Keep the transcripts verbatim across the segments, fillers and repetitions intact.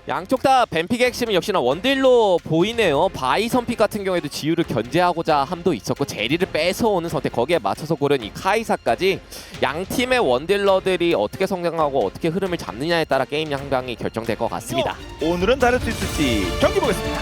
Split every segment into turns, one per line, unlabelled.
양쪽 다 뱀픽의 핵심은 역시나 원딜로 보이네요. 바이 선픽 같은 경우에도 지유를 견제하고자 함도 있었고 제리를 뺏어오는 선택, 거기에 맞춰서 고른 이 카이사까지 양 팀의 원딜러들이 어떻게 성장하고 어떻게 흐름을 잡느냐에 따라 게임 양강이 결정될 것 같습니다.
오늘은 다를 수 있을지 경기 보겠습니다.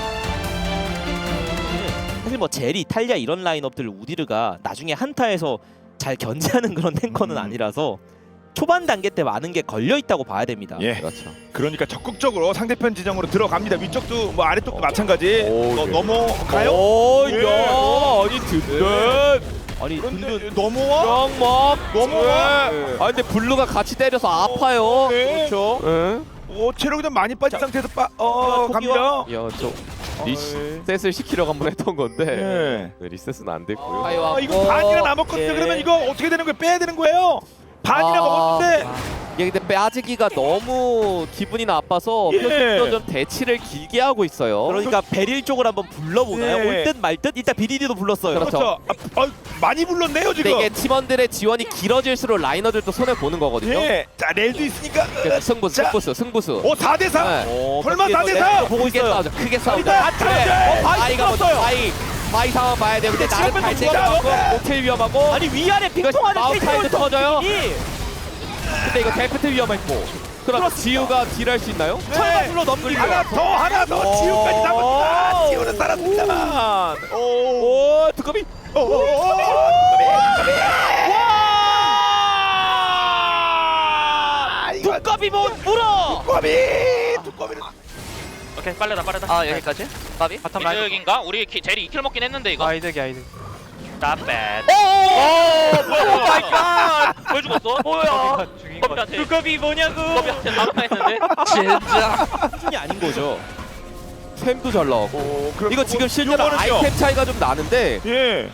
사실 뭐 제리, 탈리아 이런 라인업들 우디르가 나중에 한타에서 잘 견제하는 그런 탱커는
음.
아니라서 초반 단계 때 많은 게 걸려 있다고 봐야 됩니다.
예,
그렇죠.
그러니까 적극적으로 상대편 지정으로 들어갑니다. 위쪽도 뭐 아래쪽도 마찬가지.
오,
너,
예.
넘어가요?
오,
예.
야, 아니 든든.
아니
그런데
든든
넘어와?
영막
넘어와?
네. 아 근데 블루가 같이 때려서 아파요.
네.
그렇죠. 응?
오, 체력이 좀 많이 빠진 상태에서 빠, 어,
토끼와-
갑니다.
야, 저
어,
리셋을 시키려고 한번 했던 건데
예.
네, 리셋은 안 됐고요.
아, 이거 반이나 남았거든요.
예.
그러면 이거 어떻게 되는 거예요? 빼야 되는 거예요? 반이나
아,
먹었는데.
이게 근데 빠지기가 너무 기분이 나빠서
예.
표정도 좀 대치를 길게 하고 있어요.
그러니까 베릴 쪽을 한번 불러보나요?
예.
올 듯 말 듯? 일단 비디디도 불렀어요.
그렇죠.
그렇죠. 아, 아, 많이 불렀네요
근데
지금.
이게 팀원들의 지원이 길어질수록 라이너들도 손해 보는 거거든요.
예. 자, 렐도 있으니까.
그래서 승부수,
자.
승부수, 승부수.
오, 사 대 사.
네.
어,
설마
밖에서
사 대
내-
사?
보고
크게
있어요.
싸우죠. 크게 싸우죠.
일단 안
그래.
터져요.
어, 바이가 먼저
끊었어요.
바이. 바이 상황 봐야 돼요. 근데 나는
지금
갈대가
좀
많고 모텔 위험하고.
아니 위아래 빙통하는
마우스타이드 터져요.
이
근데 이거 데프트 위험했고. 그럼 지우가 딜할 수 있나요?
철가 불러 넘기고
하나 더 하나 더
오.
지우까지 남았다. 지우는 살았습니다만. 오.
오, 두꺼비.
오. 오. 와! 이거
두꺼비 못 물어.
두꺼비. 두꺼비는
오케이 빨래다 빨래다.
아 여기까지? 까비?
바텀 라인. 이득인가? 우리 키, 제리 이 킬 먹긴 했는데 이거.
아 이득이야 이득.
나빼.
오 마이 갓!
왜 죽었어? 뭐야?
죽인 거
두꺼비한테.
두꺼비 뭐냐고.
두꺼비한테 나무타했는데.
진짜.
수준이 아닌 거죠.
템도 잘 나오고.
오, 그럼
이거 지금 실제로
요거는요?
아이템 차이가 좀 나는데.
예.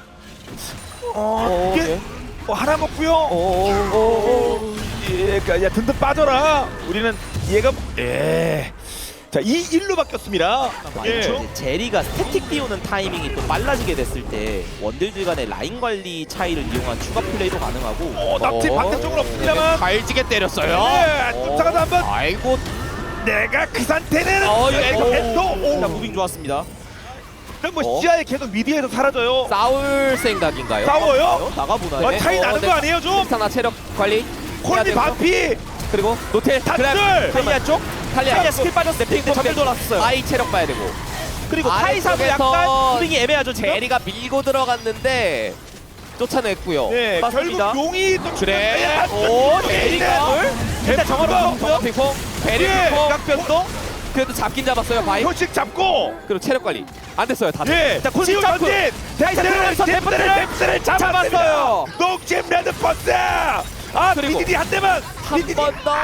어,
어,
이게
예.
어, 하나 먹고요.
오, 오, 오.
예, 그러니까 야 든든 빠져라. 우리는 얘가 예. 자, 이 일로 바뀌었습니다. 예.
이제 제리가 스태틱 띄우는 타이밍이 또 빨라지게 됐을 때 원딜들 간의 라인 관리 차이를 이용한 추가 플레이도 가능하고
어, 낙지
어.
반대쪽은 없습니다만.
갈지게 때렸어요.
예, 쫓아가다 한번
아이고.
내가 그 상태는
어, 이거
이거 했어.
자
오.
무빙 좋았습니다.
그럼 뭐
어?
시야에 계속 미디에서 사라져요.
싸울 생각인가요?
싸워요?
나가보나요?
어, 차이
어,
나는
네.
거 아니에요, 좀?
스타나 체력 관리. 해야
콜미
되고.
반피.
그리고 노텔
단줄!
탈리아 쪽?
탈리아
탈리아 스킬 빠졌을 때
핑퐁
전멸 돌았어요.
아이 체력 봐야 되고.
그리고 카이사도
아래쪽에서
약간 무빙이 애매하죠 지금?
제리가 밀고 들어갔는데 쫓아냈고요.
네,
맞습니다.
결국 용이 또
그래.
오,
오, 제리가
일단 정화로
핑퐁 핑퐁 베리
예.
핑퐁
깍변도
그래도 잡긴 잡았어요. 바이.
표식 잡고.
그리고 체력 관리 안 됐어요. 다.
예.
자, 콜
지우
점프.
전진. 데프트를
데프트를
데프트를 데프트를 잡았어요.
잡았어요.
녹잼 레드 버스. 아,
그리고
비디디 한 대만.
한
비디디.
번 더.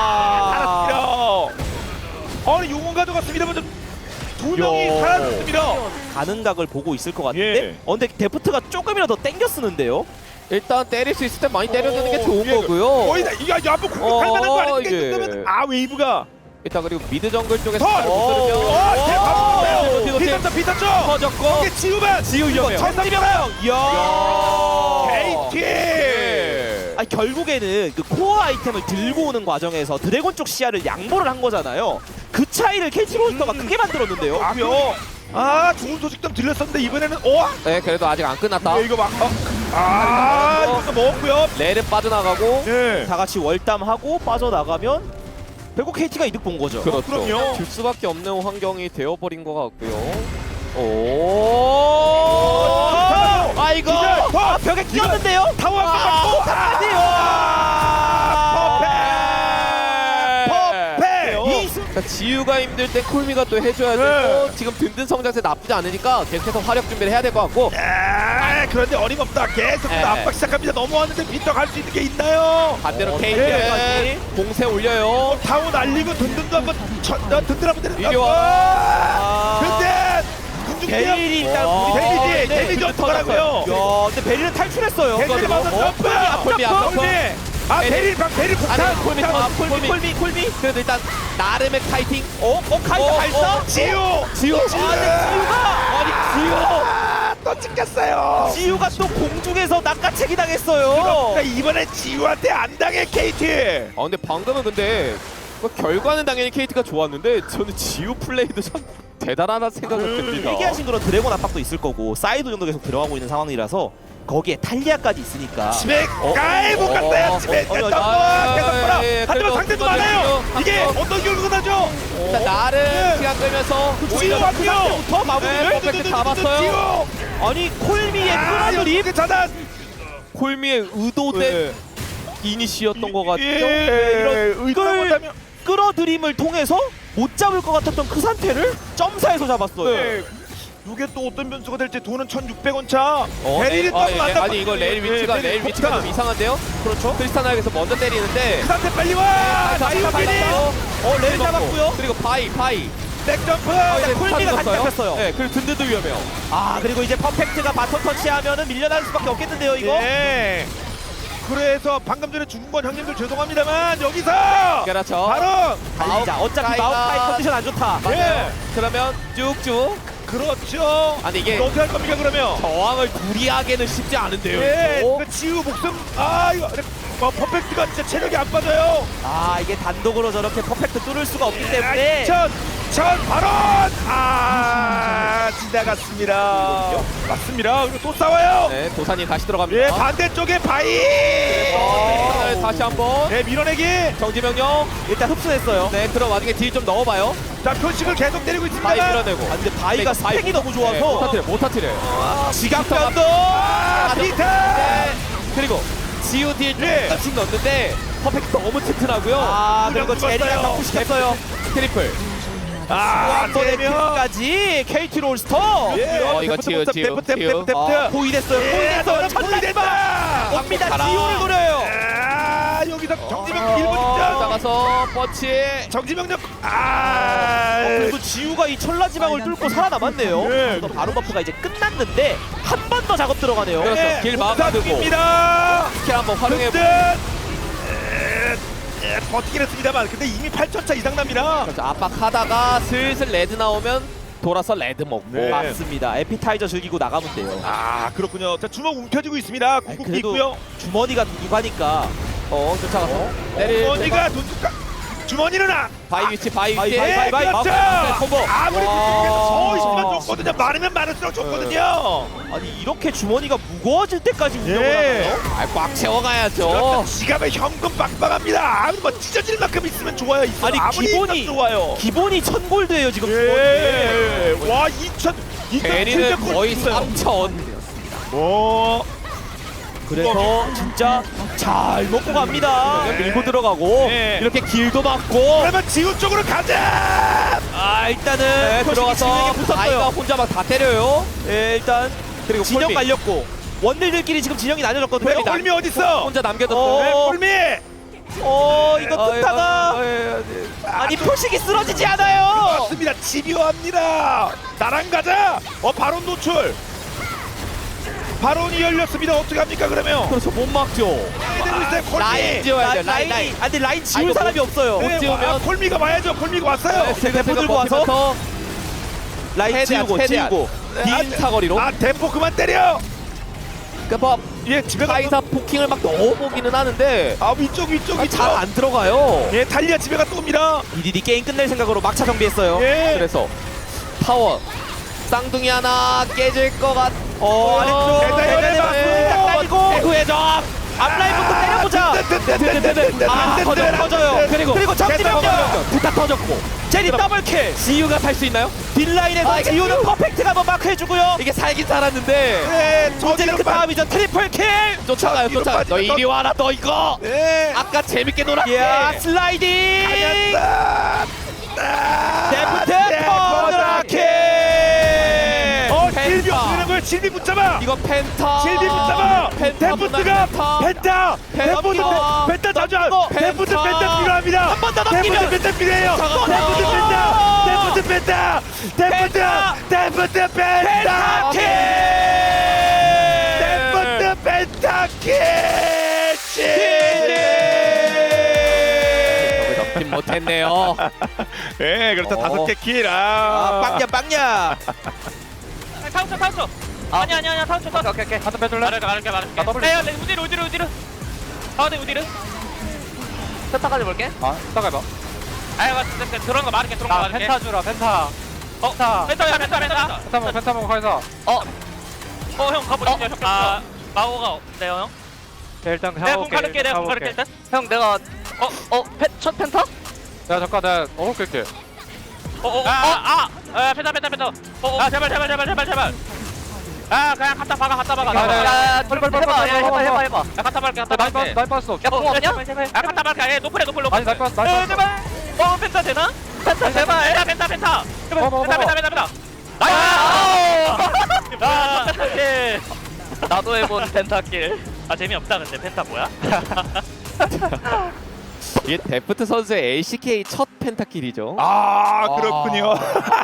살았어요. 아니 용은 가져갔습니다만 두 명이
야.
살았습니다.
가는 각을 보고 있을 것 같은데
예.
어, 근데 데프트가 조금이라도 땡겨 쓰는데요?
일단 때릴 수 있을 때 많이 때려주는 게
오,
좋은
예.
거고요.
거의 다 이거 이거 한번 공격할
어,
만한 거 아닙니까?
이게.
그러면 아 웨이브가
일단 그리고 미드 정글 쪽에서
더.
잘 못 들으면
어, 대박.
뒤로, 뒤로, 뒤로.
비tas죠, 비tas죠.
터졌고
이게 지우만.
지우 위험해요.
천삼이랑
야.
케이티.
아니 결국에는 그 코어 아이템을 들고 오는 과정에서 드래곤 쪽 시야를 양보를 한 거잖아요. 그 차이를 케이티 로스터가 크게 만들었는데요.
아, 그요. 아, 좋은 소식 좀 들렸었는데 이번에는 어?
네, 그래도 아직 안 끝났다.
네, 이거 막 어. 아, 이거 먹었고요.
레는 빠져나가고
예.
다 같이 월담하고 빠져나가면 결국 케이티가 이득 본 거죠.
그렇죠.
그럼요.
줄 수밖에 없는 환경이 되어버린 것 같고요. 오, 아이고,
기절. 더.
아, 벽에 끼었는데요?
타워 한번 맞고. 아, 퍼펙. 퍼펙.
이 순-
그러니까 지우가 힘들 땐 콜미가 또 해줘야 되고
네.
지금 든든 성장세 나쁘지 않으니까 계속해서 화력 준비를 해야 될 것 같고.
아, 그런데 어림없다. 계속
네.
압박 시작합니다. 넘어왔는데 빈터 갈 수 있는 게 있나요?
반대로
어,
케이크는
네.
공세 올려요.
타워 날리고 든든도 한번 쳐, 어, 든든 한번 때려.
이리 와.
든든. 군중대요.
베릴이 일단
와.
우리
데미지,
네,
데미지
근데
어떡하라고요?
야, 근데 베릴은 탈출했어요.
데미지
그리고
맞아.
어?
점프.
콜미 안 점프.
콜미. 아,
베릴.
베릴 방 베릴 폭탄.
아니, 콜미
아,
아,
콜미,
콜미.
콜미, 콜미.
그래도 일단 나름의 카이팅.
어, 어, 카이사
어,
발사?
어.
지우.
지우.
아, 근데 지우가
아니 지우.
아, 또 찍혔어요.
지우가 또 공중에서 낚아채기 당했어요.
그러니까 이번에 지우한테 안 당해 케이티.
아 근데 방금은 근데 뭐 결과는 당연히 케이티가 좋았는데 저는 지우 플레이도 참 대단하다 생각을 듭니다.
얘기하신 그런 드래곤 압박도 있을 거고 사이드 정도 계속 들어가고 있는 상황이라서 거기에 탈리아까지 있으니까
치맥
어,
가이 못
어,
갔어요.
어,
치맥
어, 어,
됐던
아,
거 계속
예,
보라.
예,
하지만
그래도
상대도
그거는
많아요.
한
이게
번.
어떤 결과가 나죠?
일단 나름
네.
시간 끌면서
지우
오히려
왔고요.
부터
네,
마무리를
퍼펙트 잡았어요.
아니 콜미의
아,
끌어들임
이렇게 차단.
콜미의 의도된 이니시였던 것 같죠?
예, 이런 의도를
끌-
못하면
끌어들임을 통해서 못 잡을 것 같았던 그 상태를 점사에서 잡았어요.
네. 이게 또 어떤 변수가 될지 돈은 천육백 원 차.
어,
베리를
아,
또
예,
만나.
아니 이거 레일 위치가 레일 위치가 좀 이상한데요?
그렇죠.
크리스타나에게서 먼저 때리는데
그 상태 빨리 와. 나이오빈이
어, 레일 잡았고요.
그리고 바이 바이
백점프.
이제
콜미가
스타트
같이
넣었어요.
잡혔어요.
네, 그리고 든든도 위험해요.
아 그리고 이제 퍼펙트가 바톤 터치하면은 밀려날 수밖에 없겠는데요 이거.
예. 그래서 방금 전에 죽은 건 형님들 죄송합니다만 여기서
그렇죠.
바로
달리자. 어차피
가이가-
마우카이 컨디션 안 좋다.
예.
그러면 쭉쭉.
그렇죠.
아니 이게
이거 어떻게 할 겁니까 그러면?
저항을 둘이 하기는 쉽지 않은데요.
예.
이거.
그 지우 목숨 아 이거 뭐 퍼펙트가 진짜 체력이 안 빠져요.
아 이게 단독으로 저렇게 퍼펙트 뚫을 수가 없기 때문에
천, 천 발언 아 지나갔습니다. 맞습니다. 그리고 또 싸워요.
네, 도사님 다시 들어갑니다.
예 반대쪽에 바이.
어, 다시 한번
네 밀어내기.
정지명령.
일단 흡수했어요.
네, 그럼 와중에 딜 좀 넣어봐요.
자 표식을 계속 때리고
바이
있습니다.
밀어내고.
아, 근데 바이가
네, 바이
스펙이 너무
네,
좋아서
못 터트려, 못 터트려요.
지각변도
아 피터.
네, 그리고 지우 딜
예.
조금씩 넣었는데 퍼펙트 너무 튼튼하고요.
아 그리고
죽었어요.
제리랑 격투시켰어요.
트리플.
아
한 번에
되면
킬까지 케이티 롤스터
예.
어, 이거
데프트,
지우,
데프트,
지우,
데프트,
지우.
데프트, 데프트.
어,
보이됐어요.
예,
보이됐어요.
너는
천라이바
보이됐다.
옵니다.
가라.
지오를 노려요.
아 여기서 정지명 일본
어,
직전.
나가서 뻗치.
정지명력 아
어, 그래도 지우가 이 천라지방을 뚫고 살아남았네요.
예.
또 바로 버프가 이제 끝났는데 한 번 더 작업 들어가네요.
그렇죠.
네,
길 막아두고.
입니다.
스킬 한번 활용해.
든든. 에, 에, 버티긴 했습니다만 근데 이미 팔천 차 이상 납니다.
그렇죠. 압박하다가 슬슬 레드 나오면 돌아서 레드 먹고.
네.
맞습니다. 에피타이저 즐기고 나가면 돼요.
아 그렇군요. 자 주먹 움켜쥐고 있습니다. 궁극기
그래도
있고요.
주머니가 누가니까
어, 쫓아가서. 내릴
주머니가 돈줄까? 주머니는 아.
바이 위치, 바이
바이,
위치.
바이, 바이, 바이.
그렇죠.
아, 콤보.
아무리
와.
저 있으면 좋거든요. 많으면 많을수록 좋거든요.
아니 이렇게 주머니가 무거워질 때까지 운영을
예.
하나요?
아, 꽉 채워가야죠.
그렇죠. 지갑에 현금 빵빵합니다. 아무리 뭐 찢어질 만큼 있으면 좋아요. 있어도
아니,
아무리
기본이-
있어도 좋아요.
기본이 천 골드예요 지금.
예. 와 이천
대리는 거의 삼천.
오.
그래서 진짜 잘 먹고 갑니다.
밀고 들어가고
네.
이렇게 길도 막고.
그러면 지구 쪽으로 가자.
아 일단은
네,
표식이
들어가서
진영에
바이가
붙었어요.
혼자 막 다 때려요.
예, 일단
그리고
진영
콜미.
갈렸고 원딜들끼리 지금 진영이 나뉘어졌거든요.
왜 홀미 어딨어?
혼자 남겨뒀어.
어.
왜 홀미?
어 이거
어,
뜯다가
어, 예, 예.
아니 표식이 쓰러지지 않아요.
맞습니다. 집요합니다. 나랑 가자. 어 바론 노출. 바론이 열렸습니다. 어떻게 합니까 그러면?
그렇죠, 못 막죠.
되고 있어요. 콜미.
라인 지워야
라-
돼요. 라인,
라인이
라인.
아 근데 라인 지울
아이고,
사람이 없어요.
못
네,
지우면-
아, 콜미가 와야죠. 콜미가 왔어요.
네,
대포 들고 와서
버티면서
라인
최대한,
지우고
최대한.
지우고
긴 사거리로.
아 대포 그만 때려.
그러니까
예 집에 가.
카이사 포킹을 막 넣어보기는 하는데
아 위쪽 위쪽 위쪽.
잘 안 들어가요.
예 달리아 집에 갔다 옵니다.
이디디 게임 끝낼 생각으로 막차 정비했어요.
예.
그래서 타워 쌍둥이 하나 깨질 것 같.
어 아래쪽
대단해,
대단해
대단해.
맞고 대구해적 앞라인부터 때려보자. 아 터져 터져요.
그리고
그리고 정지명령
두타 터졌고.
제리 더블킬.
지유가 살 수 있나요?
딜라인에서
아, 이게
지우는
지우-
퍼펙트가 한번 마크해주고요.
이게 살긴 살았는데
네
문제는 그 다음이죠. 트리플 킬.
쫓아가요.
뒤로
쫓아가. 너
빠지면
이리 와라. 너 이거.
네.
아까 재밌게 놀았지.
야 슬라이딩.
아니었다.
데프트 퍼드라킬.
어
펜타.
실비 없는 걸 실비 붙잡아.
이거 펜타.
실비 붙잡아.
펜타
데프트가
펜타.
펜타. 데프트
넘기고.
펜타 자주.
넘기고.
데프트
펜타.
펜타 필요합니다.
한 번 더 넘기면.
데프트 펜타 필요해요.
또
데프트
넘기고.
펜타. 데프트 펜타. 데프트
펜타.
데프트 펜타.
펜타킬.
데프트 펜타킬.
잡긴 못했네요.
예, 그렇다
어.
다섯 개 킬.
아
아,
빵야 빵야.
타운쳐 타운쳐. 아니 아니 아니 타운쳐 타운쳐.
오케이 오케이 한번 빼줄래?
말할게 말할게 말할게.
나 더블
야, 야, 우디르 우디르 우디르. 아, 네 우디르.
세타까지 볼게. 아 따가봐.
아이고 들어온 거 말할게 들어온 거
나
말할게
펜타 주라 펜타.
어?
펜타.
펜타야 펜타 펜타
펜타 먹어 펜타 먹어 가서.
어형 가보시죠 형 아, 마오가 없네요 형
네, 일단
내가 공
가볼게.
가를게 내가 공
가볼게.
가를게 일단
형 내가 어어첫 펜타?
야 잠깐 내가 어묵 끌게.
어어아아 아, 펜타 펜타 펜타 아 제발 제발 제발 제발 제발 아 그냥 갖다 박아 갖다 박아
야, 야, 야.
야야
빨리, 빨리, 빨리,
해봐
빨리,
야
빨리,
해봐
빨리,
해봐
빨리.
해봐.
야 갖다 박을게 갖다
날 빠,
박을게
날 빠졌어.
야공 없냐?
아 갖다 박을게 예 노플해 노플 노플
아니 날 빠졌어, 날
어
빠졌어.
제발 어 펜타 되나?
펜타 제발.
펜타 펜타 펜타
먹어, 먹어,
펜타
먹어.
펜타 펜타 펜타
아,
아 펜타킬
나도 해본 펜타킬.
아 재미없다 근데 펜타 뭐야?
이게 데프트 선수의 엘씨케이 첫 펜타킬이죠.
아 그렇군요.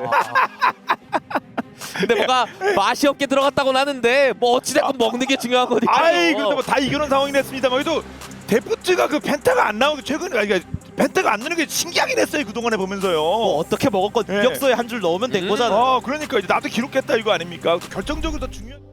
근데 뭔가 맛이 없게 들어갔다고는 하는데 뭐 어찌됐건 먹는 게 중요한 거니까요.
아이 그래도 뭐 다 이겨놓은 상황이 됐습니다만 그래도 데프트가 그 펜타가 안 나오는 게 최근에 아니, 그러니까 펜타가 안 넣는 게 신기하긴 했어요 그동안에 보면서요.
뭐 어떻게 먹었건
네.
유격소에 한 줄 넣으면 된
음.
거잖아요.
어 그러니까 이제 나도 기록했다 이거 아닙니까? 결정적으로 더 중요한.